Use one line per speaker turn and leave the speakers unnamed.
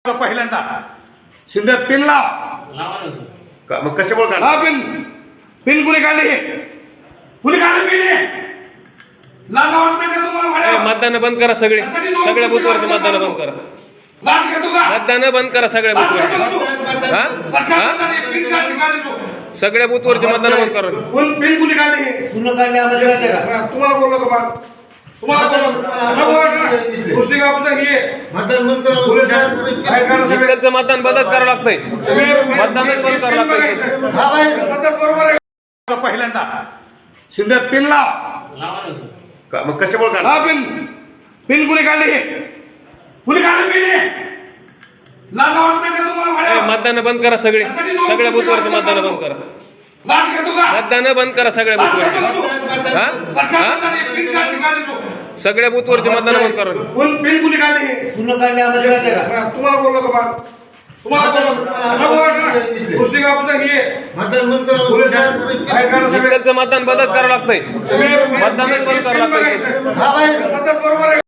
पहिल्यांदा शिंदे पिन लाव मग कशामुळे काढ हा पिन पिन कुणी काढले कुणी काढले पिन
मतदान बंद करा सगळ्या बुथवरचे मतदान बंद करा मतदान बंद करा सगळ्या बुथवरचे सगळ्या बुथवरचे मतदान बंद करा
पिन कुणी काढले तुम्हाला बोललो का बा
मतदान बंदच करावं लागतंय मतदानच बंद करावं लागतंय
पहिल्यांदा शिंदे पिन लाव मग कशामुळे काढ हा पिन पिन कुणी काढले पिन
मतदान बंद करा सगळ्या बुथवरचे मतदान बंद करा मतदान बंद करा सगळ्या बुथवरचे सगळ्या बुथवरचे मतदान बंद करा
पिन कुणी काढले तुम्हाला बोललो का बा
मतदान बंदच करावं लागतंय मतदानच बंद करावं लागतंय